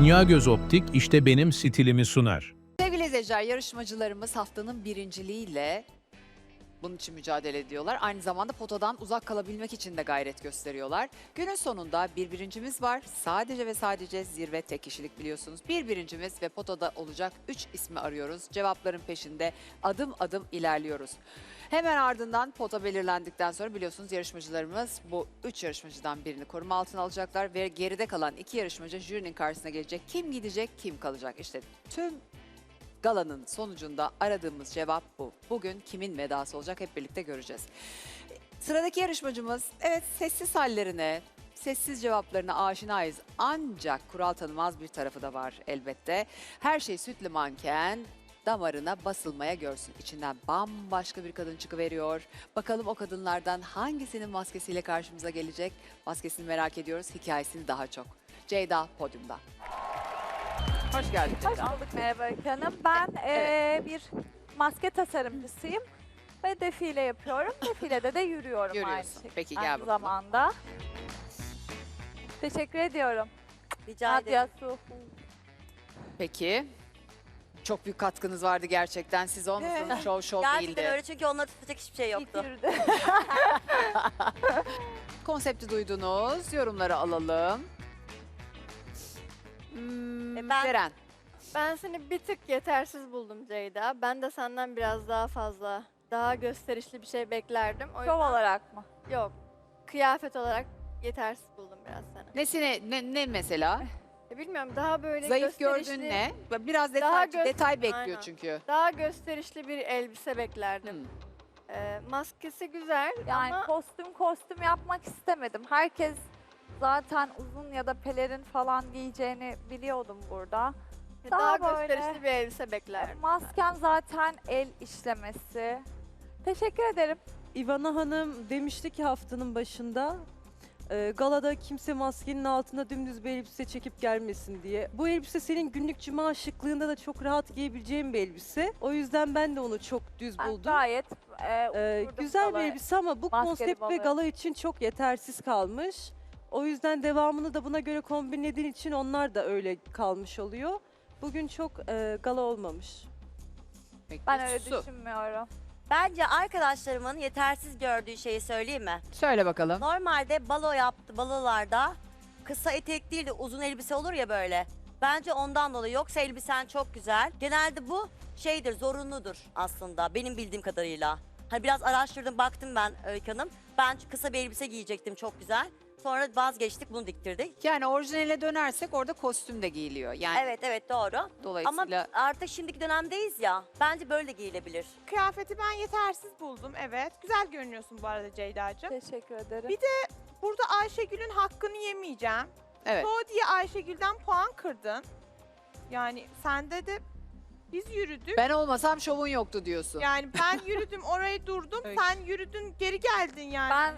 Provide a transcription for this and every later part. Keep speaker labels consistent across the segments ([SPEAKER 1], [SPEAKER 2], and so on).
[SPEAKER 1] Dünya Göz Optik işte benim stilimi sunar.
[SPEAKER 2] Sevgili izleyiciler, yarışmacılarımız haftanın birinciliğiyle bunun için mücadele ediyorlar. Aynı zamanda potadan uzak kalabilmek için de gayret gösteriyorlar. Günün sonunda bir birincimiz var. Sadece ve sadece zirve tek kişilik biliyorsunuz. Bir birincimiz ve potada olacak 3 ismi arıyoruz. Cevapların peşinde adım adım ilerliyoruz. Hemen ardından pota belirlendikten sonra biliyorsunuz yarışmacılarımız bu 3 yarışmacıdan birini koruma altına alacaklar ve geride kalan 2 yarışmacı jürinin karşısına gelecek. Kim gidecek, kim kalacak? İşte tüm galanın sonucunda aradığımız cevap bu. Bugün kimin vedası olacak hep birlikte göreceğiz. Sıradaki yarışmacımız evet sessiz hallerine, sessiz cevaplarına aşinayız. Ancak kural tanımaz bir tarafı da var elbette. Her şey sütlü manken damarına basılmaya görsün. İçinden bambaşka bir kadın çıkıveriyor. Bakalım o kadınlardan hangisinin maskesiyle karşımıza gelecek? Maskesini merak ediyoruz, hikayesini daha çok. Ceyda podyumda. Hoş geldin
[SPEAKER 3] Hoş
[SPEAKER 2] Ceyda.
[SPEAKER 3] bulduk merhaba Öykü Hanım. Ben
[SPEAKER 2] Evet.
[SPEAKER 3] bir maske tasarımcısıyım ve defile yapıyorum. Defilede de yürüyorum aynı
[SPEAKER 2] Yürüyorsun.
[SPEAKER 3] şekilde.
[SPEAKER 2] Peki, gel
[SPEAKER 3] aynı
[SPEAKER 2] bakalım.
[SPEAKER 3] zamanda. Teşekkür ediyorum.
[SPEAKER 4] Rica ederim.
[SPEAKER 3] Nadia Su.
[SPEAKER 2] Peki. Çok büyük katkınız vardı gerçekten. Siz olmasanız şov
[SPEAKER 4] Gerçekten
[SPEAKER 2] değildi.
[SPEAKER 4] öyle çünkü onları tutacak hiçbir şey
[SPEAKER 3] İlk
[SPEAKER 4] yoktu.
[SPEAKER 3] yürüdü.
[SPEAKER 2] Konsepti duydunuz. Yorumları alalım. Beren.
[SPEAKER 5] Ben seni bir tık yetersiz buldum Ceyda. Ben de senden biraz daha fazla, daha gösterişli bir şey beklerdim. O
[SPEAKER 3] Şov
[SPEAKER 5] yüzden
[SPEAKER 3] olarak mı?
[SPEAKER 5] yok. Kıyafet olarak yetersiz buldum biraz seni.
[SPEAKER 2] Nesine, ne mesela?
[SPEAKER 5] Bilmiyorum daha böyle
[SPEAKER 2] Zayıf
[SPEAKER 5] gösterişli,
[SPEAKER 2] gördüğün ne? Biraz
[SPEAKER 5] Daha
[SPEAKER 2] detay bekliyor
[SPEAKER 5] Aynen.
[SPEAKER 2] çünkü.
[SPEAKER 5] daha gösterişli bir elbise beklerdim. Maskesi güzel
[SPEAKER 3] Yani
[SPEAKER 5] ama
[SPEAKER 3] kostüm yapmak istemedim. Herkes zaten uzun ya da pelerin falan giyeceğini biliyordum burada.
[SPEAKER 5] daha
[SPEAKER 3] daha böyle-
[SPEAKER 5] gösterişli bir elbise beklerdim.
[SPEAKER 3] Maskem zaten el işlemesi. Teşekkür ederim.
[SPEAKER 6] İvana Hanım demişti ki haftanın başında galada kimse maskenin altına dümdüz bir elbise çekip gelmesin diye. Bu elbise senin günlük cuma şıklığında da çok rahat giyebileceğin bir elbise. O yüzden ben de onu çok düz
[SPEAKER 3] Ben
[SPEAKER 6] buldum.
[SPEAKER 3] gayet oturdum
[SPEAKER 6] Güzel bir
[SPEAKER 3] galaya.
[SPEAKER 6] elbise ama bu
[SPEAKER 3] Maskeli
[SPEAKER 6] konsept ve
[SPEAKER 3] balığı.
[SPEAKER 6] gala için çok yetersiz kalmış. O yüzden devamını da buna göre kombinlediğin için onlar da öyle kalmış oluyor. Bugün çok gala olmamış.
[SPEAKER 2] Peki,
[SPEAKER 3] Ben öyle
[SPEAKER 2] Su.
[SPEAKER 3] düşünmüyorum.
[SPEAKER 4] Bence arkadaşlarımın yetersiz gördüğü şeyi söyleyeyim mi?
[SPEAKER 2] Söyle bakalım.
[SPEAKER 4] Normalde balolarda kısa etek değil de uzun elbise olur ya böyle. Bence ondan dolayı. Yoksa elbisen çok güzel. Genelde bu şeydir, zorunludur aslında benim bildiğim kadarıyla. Hani biraz araştırdım, baktım ben Öykü Hanım. Ben kısa bir elbise giyecektim, çok güzel. Sonra vazgeçtik, bunu diktirdik.
[SPEAKER 2] Yani orijinale dönersek orada kostüm de giyiliyor. Yani
[SPEAKER 4] Evet doğru. Ama
[SPEAKER 2] dolayısıyla
[SPEAKER 4] artık şimdiki dönemdeyiz ya. Bence böyle giyilebilir.
[SPEAKER 7] Kıyafeti ben yetersiz buldum, evet. Güzel görünüyorsun bu arada Ceyda'cığım.
[SPEAKER 3] Teşekkür ederim.
[SPEAKER 7] Bir Burada Ayşegül'ün hakkını yemeyeceğim.
[SPEAKER 2] evet.
[SPEAKER 7] O diye Ayşegül'den puan kırdın. Yani sende de biz yürüdük.
[SPEAKER 2] Ben olmasam şovun yoktu diyorsun.
[SPEAKER 7] Yani ben yürüdüm, oraya durdum.
[SPEAKER 2] Öyle.
[SPEAKER 7] Sen yürüdün, geri geldin yani.
[SPEAKER 3] Ben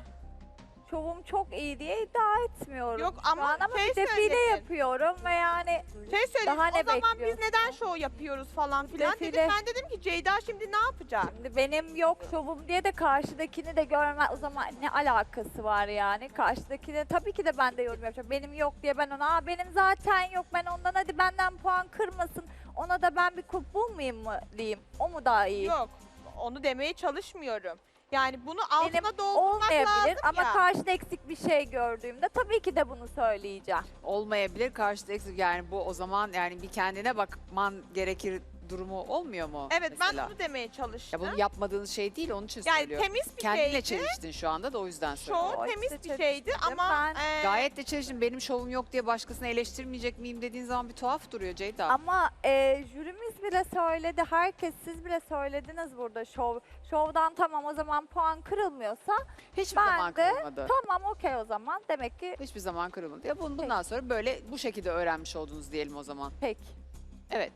[SPEAKER 3] şovum çok iyi diye iddia etmiyorum.
[SPEAKER 7] Yok
[SPEAKER 3] şu
[SPEAKER 7] ama
[SPEAKER 3] an ama
[SPEAKER 7] şey
[SPEAKER 3] bir defile
[SPEAKER 7] söyledin.
[SPEAKER 3] yapıyorum ve yani
[SPEAKER 7] Şey söyleyeyim,
[SPEAKER 3] Daha ne
[SPEAKER 7] o zaman biz
[SPEAKER 3] bekliyorsun?
[SPEAKER 7] neden şov yapıyoruz falan filan
[SPEAKER 3] Defile.
[SPEAKER 7] dedim. Ben dedim ki Ceyda şimdi ne yapacak?
[SPEAKER 3] şimdi benim yok şovum diye de karşıdakini de görme o zaman ne alakası var yani? Karşıdakine tabii ki de ben de yorum yapacağım. Benim yok diye ben ona benim zaten yok ben ondan hadi benden puan kırmasın. Ona da ben bir kulp bulmayayım mı diyeyim. O mu daha iyi?
[SPEAKER 7] Yok, onu demeye çalışmıyorum. Yani bunu
[SPEAKER 3] Benim
[SPEAKER 7] altına doldurmak
[SPEAKER 3] olmayabilir
[SPEAKER 7] lazım
[SPEAKER 3] ama
[SPEAKER 7] ya.
[SPEAKER 3] karşıda eksik bir şey gördüğümde tabii ki de bunu söyleyeceğim.
[SPEAKER 2] Olmayabilir karşıda eksik. Yani bu o zaman yani bir kendine bakman gerekir durumu olmuyor mu?
[SPEAKER 7] Evet,
[SPEAKER 2] mesela?
[SPEAKER 7] ben bunu demeye çalıştım.
[SPEAKER 2] Ya bunu yapmadığınız şey değil, onun için
[SPEAKER 7] Yani
[SPEAKER 2] söylüyorum.
[SPEAKER 7] temiz bir
[SPEAKER 2] Kendine
[SPEAKER 7] şeydi.
[SPEAKER 2] çeliştin şu anda da o yüzden söylüyorum.
[SPEAKER 7] Şov
[SPEAKER 3] O
[SPEAKER 7] temiz
[SPEAKER 3] işte
[SPEAKER 7] bir şeydi
[SPEAKER 3] çeliştim.
[SPEAKER 7] ama
[SPEAKER 3] Ben-
[SPEAKER 2] Gayet de çeliştin. Benim şovum yok diye başkasını eleştirmeyecek miyim dediğin zaman bir tuhaf duruyor Ceyda.
[SPEAKER 3] Ama jürimiz bile söyledi, herkes siz bile söylediniz burada şovdan tamam o zaman puan kırılmıyorsa
[SPEAKER 2] Hiçbir
[SPEAKER 3] ben
[SPEAKER 2] zaman
[SPEAKER 3] de-
[SPEAKER 2] kırılmadı.
[SPEAKER 3] tamam okey o zaman demek ki
[SPEAKER 2] Hiçbir zaman kırılmadı. Ya bundan sonra böyle bu şekilde öğrenmiş oldunuz diyelim o zaman.
[SPEAKER 3] pek.
[SPEAKER 2] Evet.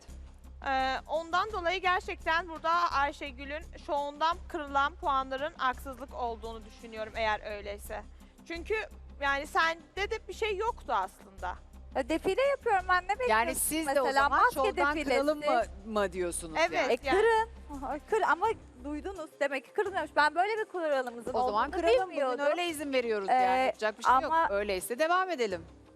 [SPEAKER 7] ondan dolayı gerçekten burada Ayşegül'ün şovundan kırılan puanların haksızlık olduğunu düşünüyorum eğer öyleyse. Çünkü yani sende de bir şey yoktu aslında.
[SPEAKER 3] Defile yapıyorum ben ne bekliyorsun
[SPEAKER 2] Yani siz de o
[SPEAKER 3] mesela
[SPEAKER 2] zaman
[SPEAKER 3] maske
[SPEAKER 2] şovdan
[SPEAKER 3] defilesi.
[SPEAKER 2] kıralım mı diyorsunuz
[SPEAKER 7] Evet.
[SPEAKER 2] yani?
[SPEAKER 3] E kırın. Kır ama duydunuz demek ki kırılmıyormuş. Ben böyle bir kuralımızın
[SPEAKER 2] O zaman
[SPEAKER 3] olduğunu
[SPEAKER 2] kıralım. Bugün
[SPEAKER 3] bilmiyordum.
[SPEAKER 2] öyle izin veriyoruz yani. Yapacak bir şey yok.
[SPEAKER 3] ama-
[SPEAKER 2] Öyleyse devam edelim.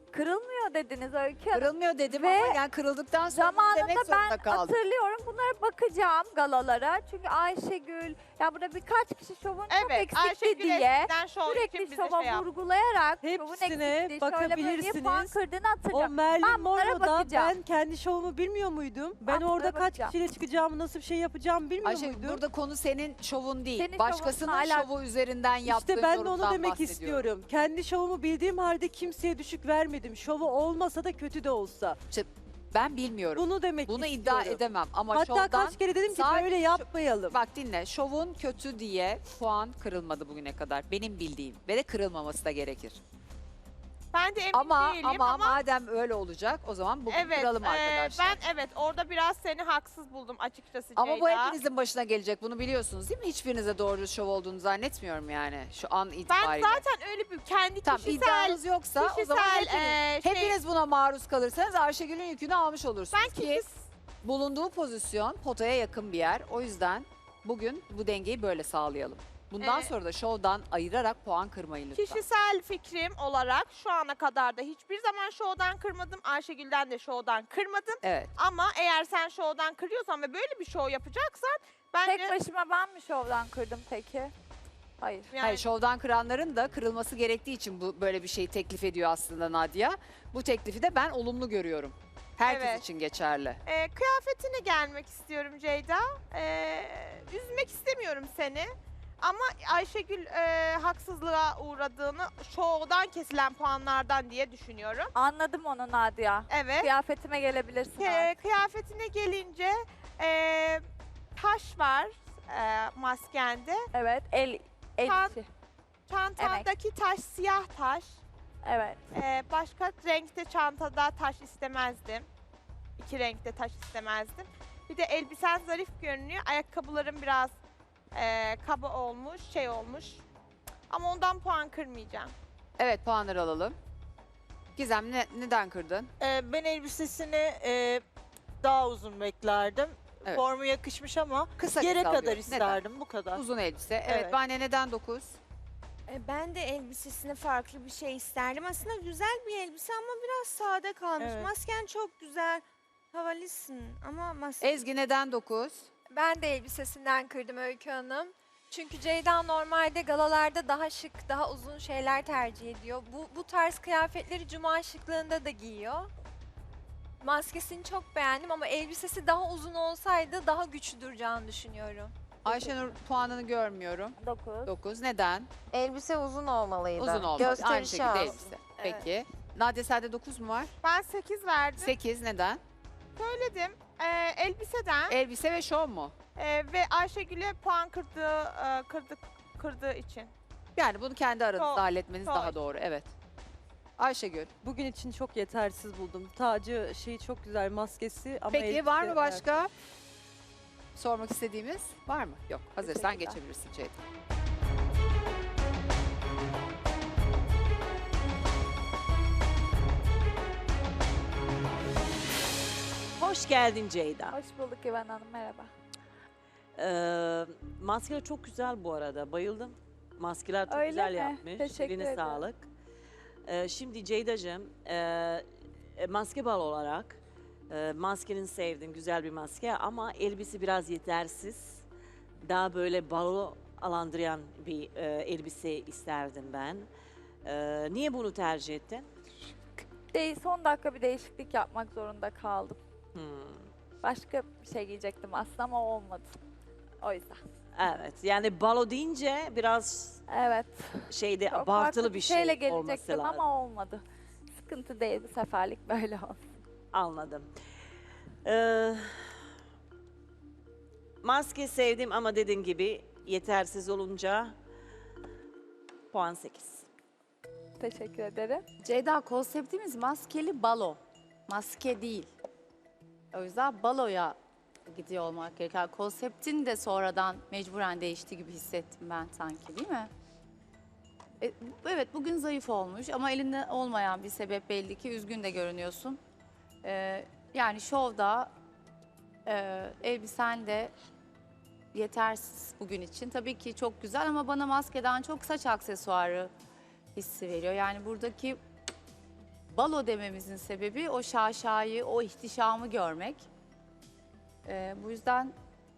[SPEAKER 3] Kırılmıyor dediniz Öykü Hanım.
[SPEAKER 2] Kırılmıyor dedim
[SPEAKER 3] Ve
[SPEAKER 2] ama yani kırıldıktan sonra bunu
[SPEAKER 3] Zamanında
[SPEAKER 2] demek zorunda
[SPEAKER 3] ben
[SPEAKER 2] kaldım.
[SPEAKER 3] hatırlıyorum. Bunlara bakacağım galalara. Çünkü Ayşegül, ya burada birkaç kişi şovun çok
[SPEAKER 7] Evet,
[SPEAKER 3] eksikti
[SPEAKER 7] Ayşegül
[SPEAKER 3] diye
[SPEAKER 7] eskiden şov için
[SPEAKER 3] sürekli
[SPEAKER 7] bize
[SPEAKER 3] şova
[SPEAKER 7] şey yaptı.
[SPEAKER 3] vurgulayarak şovun
[SPEAKER 6] Hepsine
[SPEAKER 3] eksikliği şöyle böyle diye puan
[SPEAKER 6] bakabilirsiniz.
[SPEAKER 3] kırdığını
[SPEAKER 6] O
[SPEAKER 3] hatırlıyorum.
[SPEAKER 6] Merlin
[SPEAKER 3] Ben bunlara
[SPEAKER 6] Monroe'da
[SPEAKER 3] bakacağım.
[SPEAKER 6] ben kendi şovumu bilmiyor muydum? Ben
[SPEAKER 3] Ben
[SPEAKER 6] orada
[SPEAKER 3] bunlara
[SPEAKER 6] kaç
[SPEAKER 3] bakacağım.
[SPEAKER 6] kişiyle çıkacağımı, nasıl bir şey yapacağımı bilmiyor
[SPEAKER 2] Ayşe
[SPEAKER 6] muydum?
[SPEAKER 2] burada konu senin şovun değil.
[SPEAKER 3] Senin
[SPEAKER 2] Başkasının
[SPEAKER 3] şovunla alakalı.
[SPEAKER 2] şovu üzerinden yaptığın
[SPEAKER 6] İşte ben de onu
[SPEAKER 2] yorumdan
[SPEAKER 6] demek
[SPEAKER 2] bahsediyorum.
[SPEAKER 6] istiyorum. Kendi şovumu bildiğim halde kimseye düşük vermedim. Şovu olmasa da kötü de olsa.
[SPEAKER 2] Ben bilmiyorum.
[SPEAKER 6] Bunu demek
[SPEAKER 2] Bunu
[SPEAKER 6] istiyorum.
[SPEAKER 2] iddia edemem ama
[SPEAKER 6] Hatta
[SPEAKER 2] şovdan
[SPEAKER 6] kaç kere dedim ki
[SPEAKER 2] sadece
[SPEAKER 6] böyle yapmayalım.
[SPEAKER 2] bak dinle. Şovun kötü diye puan kırılmadı bugüne kadar. Benim bildiğim ve de kırılmaması da gerekir.
[SPEAKER 7] Ben de emin
[SPEAKER 2] Ama
[SPEAKER 7] değilim
[SPEAKER 2] madem öyle olacak o zaman bugün
[SPEAKER 7] evet,
[SPEAKER 2] kıralım arkadaşlar.
[SPEAKER 7] ben orada biraz seni haksız buldum açıkçası
[SPEAKER 2] Ama bu
[SPEAKER 7] Ceyda.
[SPEAKER 2] hepinizin başına gelecek. Bunu biliyorsunuz değil mi? Hiçbirinize doğru şov olduğunu zannetmiyorum yani şu an
[SPEAKER 7] Ben
[SPEAKER 2] itibariyle.
[SPEAKER 7] zaten öyle bir kendi
[SPEAKER 2] Tamam
[SPEAKER 7] kişisel
[SPEAKER 2] iddianız yoksa o zaman hepiniz,
[SPEAKER 7] şey,
[SPEAKER 2] hepiniz buna maruz kalırsanız Ayşegül'ün yükünü almış olursunuz
[SPEAKER 7] ben
[SPEAKER 2] ki bulunduğu pozisyon potaya yakın bir yer. O yüzden bugün bu dengeyi böyle sağlayalım. Bundan sonra da şovdan ayırarak puan kırmayın lütfen.
[SPEAKER 7] kişisel fikrim olarak şu ana kadar da hiçbir zaman şovdan kırmadım. Ayşegül'den de şovdan kırmadım.
[SPEAKER 2] Evet.
[SPEAKER 7] Ama eğer sen şovdan kırıyorsan ve böyle bir şov yapacaksan bence
[SPEAKER 3] Tek başıma ben mi şovdan kırdım peki? Hayır.
[SPEAKER 7] yani
[SPEAKER 2] Hayır, şovdan kıranların da kırılması gerektiği için bu böyle bir şeyi teklif ediyor aslında Nadia. Bu teklifi de ben olumlu görüyorum. Herkes
[SPEAKER 7] Evet.
[SPEAKER 2] için geçerli.
[SPEAKER 7] Kıyafetine gelmek istiyorum Ceyda. Üzmek istemiyorum seni. Ama Ayşegül haksızlığa uğradığını şovdan kesilen puanlardan diye düşünüyorum.
[SPEAKER 3] Anladım onu Nadia.
[SPEAKER 7] Evet.
[SPEAKER 3] Kıyafetime gelebilirsin artık.
[SPEAKER 7] Kıyafetine gelince taş var maskende.
[SPEAKER 3] Evet. El
[SPEAKER 7] Tan-
[SPEAKER 3] içi.
[SPEAKER 7] Çantandaki taş siyah taş.
[SPEAKER 3] Evet.
[SPEAKER 7] Başka renkte çantada taş istemezdim. İki renkte taş istemezdim. Bir de elbisen zarif görünüyor. Ayakkabıların biraz kaba olmuş, şey olmuş. Ama ondan puan kırmayacağım.
[SPEAKER 2] Evet, puanları alalım. Gizem neden kırdın?
[SPEAKER 8] Ben elbisesini daha uzun beklerdim.
[SPEAKER 2] Evet.
[SPEAKER 8] Formu yakışmış ama
[SPEAKER 2] Kısa
[SPEAKER 8] yere
[SPEAKER 2] kısa
[SPEAKER 8] kadar
[SPEAKER 2] alıyorum.
[SPEAKER 8] isterdim bu kadar.
[SPEAKER 2] Neden? Uzun elbise. Evet,
[SPEAKER 8] Evet.
[SPEAKER 2] Bane neden 9?
[SPEAKER 9] Ben de elbisesine farklı bir şey isterdim. Aslında güzel bir elbise ama biraz sade kalmış.
[SPEAKER 8] Evet.
[SPEAKER 9] Masken çok güzel. Havalısın ama
[SPEAKER 2] Ezgi neden 9?
[SPEAKER 5] Ben de elbisesinden kırdım Öykü Hanım. Çünkü Ceyda normalde galalarda daha şık, daha uzun şeyler tercih ediyor. Bu tarz kıyafetleri cuma şıklığında da giyiyor. Maskesini çok beğendim ama elbisesi daha uzun olsaydı daha güçlü duracağını düşünüyorum.
[SPEAKER 2] Ayşenur puanını görmüyorum.
[SPEAKER 3] 9.
[SPEAKER 2] 9. Neden?
[SPEAKER 10] Elbise uzun olmalıydı.
[SPEAKER 2] Uzun olmalı. Aynı
[SPEAKER 10] Gösterişi
[SPEAKER 2] şekilde
[SPEAKER 10] az.
[SPEAKER 2] elbise. Peki. Nadia sende 9 mu var?
[SPEAKER 7] Ben 8 verdim.
[SPEAKER 2] 8 neden?
[SPEAKER 7] Söyledim. Elbiseden
[SPEAKER 2] Elbise ve şov mu?
[SPEAKER 7] ve Ayşegül'e puan kırdığı için.
[SPEAKER 2] Yani bunu kendi aranızda
[SPEAKER 7] Şov,
[SPEAKER 2] halletmeniz
[SPEAKER 7] şov.
[SPEAKER 2] daha doğru. Evet. Ayşegül.
[SPEAKER 6] Bugün için çok yetersiz buldum. Tacı şeyi çok güzel, maskesi ama
[SPEAKER 2] Peki
[SPEAKER 6] elbise-
[SPEAKER 2] var mı başka? Sormak istediğimiz var mı? Yok. Hazırsan
[SPEAKER 3] Teşekkürler.
[SPEAKER 2] geçebilirsin Ceyda.
[SPEAKER 11] Hoş geldin Ceyda.
[SPEAKER 3] Hoş bulduk İvan Hanım. Merhaba.
[SPEAKER 11] Maskeler çok güzel bu arada. Bayıldım. Maskeler çok
[SPEAKER 3] Öyle
[SPEAKER 11] güzel
[SPEAKER 3] mi?
[SPEAKER 11] yapmış.
[SPEAKER 3] Teşekkür
[SPEAKER 11] Eline
[SPEAKER 3] ederim.
[SPEAKER 11] sağlık. Şimdi Ceyda'cığım, maske bal olarak maskenin sevdim. Güzel bir maske ama elbise biraz yetersiz. Daha böyle balo alandıran bir elbise isterdim ben. Niye bunu tercih ettin?
[SPEAKER 3] Son dakika bir değişiklik yapmak zorunda kaldım.
[SPEAKER 11] Hmm,
[SPEAKER 3] Başka bir şey giyecektim aslında ama olmadı. O yüzden.
[SPEAKER 11] evet, yani balo deyince biraz
[SPEAKER 3] Evet.
[SPEAKER 11] şeyde
[SPEAKER 3] Çok
[SPEAKER 11] abartılı
[SPEAKER 3] farklı
[SPEAKER 11] bir
[SPEAKER 3] şeyle
[SPEAKER 11] şey olması
[SPEAKER 3] gelecektim
[SPEAKER 11] lazım.
[SPEAKER 3] ama olmadı. Sıkıntı değil bu seferlik böyle olsun.
[SPEAKER 11] Anladım. Maske sevdim ama dediğin gibi yetersiz olunca puan 8.
[SPEAKER 3] Teşekkür ederim.
[SPEAKER 10] Ceyda, konseptimiz maskeli balo. Maske değil. O yüzden baloya gidiyor olmak gerekiyor. Konseptin de sonradan mecburen değişti gibi hissettim ben sanki, değil mi? Evet, bugün zayıf olmuş ama elinde olmayan bir sebep belli ki. Üzgün de görünüyorsun. Yani şovda elbisen de yetersiz bugün için. Tabii ki çok güzel ama bana maskeden çok saç aksesuarı hissi veriyor. Yani buradaki balo dememizin sebebi o şaşayı, o ihtişamı görmek. Bu yüzden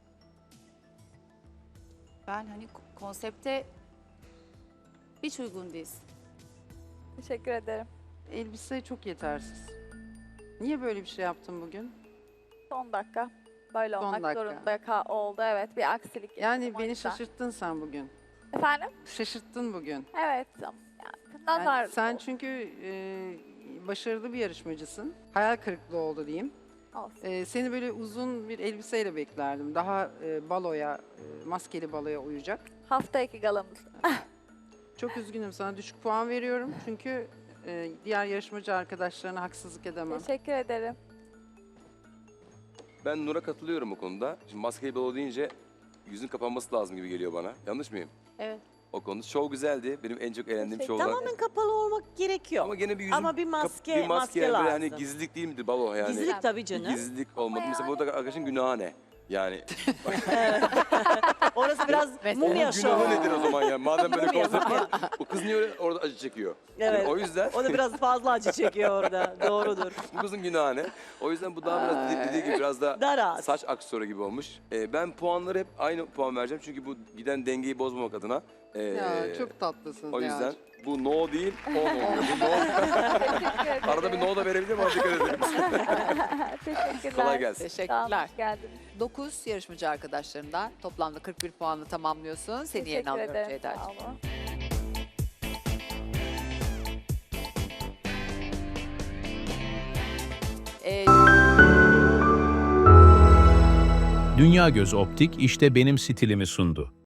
[SPEAKER 10] ben hani konsepte hiç uygun değiliz.
[SPEAKER 3] Teşekkür ederim.
[SPEAKER 12] Elbise çok yetersiz. Niye böyle bir şey yaptın bugün?
[SPEAKER 3] Son dakika. Böyle
[SPEAKER 12] Son
[SPEAKER 3] olmak
[SPEAKER 12] dakika.
[SPEAKER 3] zorunda oldu. Evet, bir aksilik
[SPEAKER 12] Yani
[SPEAKER 3] yaşadım o
[SPEAKER 12] beni
[SPEAKER 3] yüzden.
[SPEAKER 12] şaşırttın sen bugün.
[SPEAKER 3] Efendim?
[SPEAKER 12] Şaşırttın bugün.
[SPEAKER 3] Evet. Yani,
[SPEAKER 12] Yani
[SPEAKER 3] nazar.
[SPEAKER 12] sen çünkü başarılı bir yarışmacısın. Hayal kırıklığı oldu diyeyim.
[SPEAKER 3] Olsun.
[SPEAKER 12] Seni böyle uzun bir elbiseyle beklerdim. Daha baloya, maskeli baloya uyacak.
[SPEAKER 3] Hafta 2 galamız.
[SPEAKER 12] Çok üzgünüm, sana düşük puan veriyorum. Çünkü diğer yarışmacı arkadaşlarına haksızlık edemem.
[SPEAKER 3] Teşekkür ederim.
[SPEAKER 13] Ben Nur'a katılıyorum bu konuda. Şimdi maskeli balo deyince yüzün kapanması lazım gibi geliyor bana. Yanlış mıyım?
[SPEAKER 10] Evet.
[SPEAKER 13] O konuda show güzeldi. Benim en çok eğlendiğim
[SPEAKER 3] Teşekkür
[SPEAKER 13] şovlar.
[SPEAKER 11] Tamamen kapalı olmak gerekiyor.
[SPEAKER 13] Ama gene bir yüzün
[SPEAKER 11] Ama bir maske,
[SPEAKER 13] bir
[SPEAKER 11] maske
[SPEAKER 13] yani böyle
[SPEAKER 11] lazım.
[SPEAKER 13] hani gizlilik değil midir balo yani?
[SPEAKER 11] Gizlilik tabii canım.
[SPEAKER 13] Gizlilik olmadı. Mesela burada arkadaşın günahı ne? Yani
[SPEAKER 11] Orası biraz mumya
[SPEAKER 13] onun
[SPEAKER 11] şovu.
[SPEAKER 13] günahı nedir o zaman yani? Madem böyle
[SPEAKER 11] Mumya.
[SPEAKER 13] konsept var. O kız niye öyle orada acı çekiyor? Yani
[SPEAKER 11] Evet.
[SPEAKER 13] o yüzden
[SPEAKER 11] O da biraz fazla acı çekiyor orada. Doğrudur.
[SPEAKER 13] bu kızın günahı ne? O yüzden bu daha biraz dediği gibi biraz da
[SPEAKER 11] Daha rahat.
[SPEAKER 13] saç aksesuarı gibi olmuş. Ben puanları hep aynı puan vereceğim. Çünkü bu giden dengeyi bozmamak adına.
[SPEAKER 12] Ya çok tatlısın.
[SPEAKER 13] O yüzden
[SPEAKER 12] Nihal'cim.
[SPEAKER 13] bu no değil, on oluyor. Bu no.
[SPEAKER 3] Teşekkür ederim.
[SPEAKER 13] Arada bir no da verebilir miyim? Dikkat edelim.
[SPEAKER 3] Teşekkürler.
[SPEAKER 13] Kolay gelsin.
[SPEAKER 3] Sağ olun,
[SPEAKER 2] Teşekkürler.
[SPEAKER 3] hoş geldiniz.
[SPEAKER 2] 9 yarışmacı arkadaşlarından toplamda 41 puanla tamamlıyorsun. Seni yerine
[SPEAKER 3] Teşekkür
[SPEAKER 2] alıyorum
[SPEAKER 3] ederim.
[SPEAKER 2] Ceyda'cığım.
[SPEAKER 3] Sağ olun.
[SPEAKER 1] Dünya Göz Optik işte benim stilimi sundu.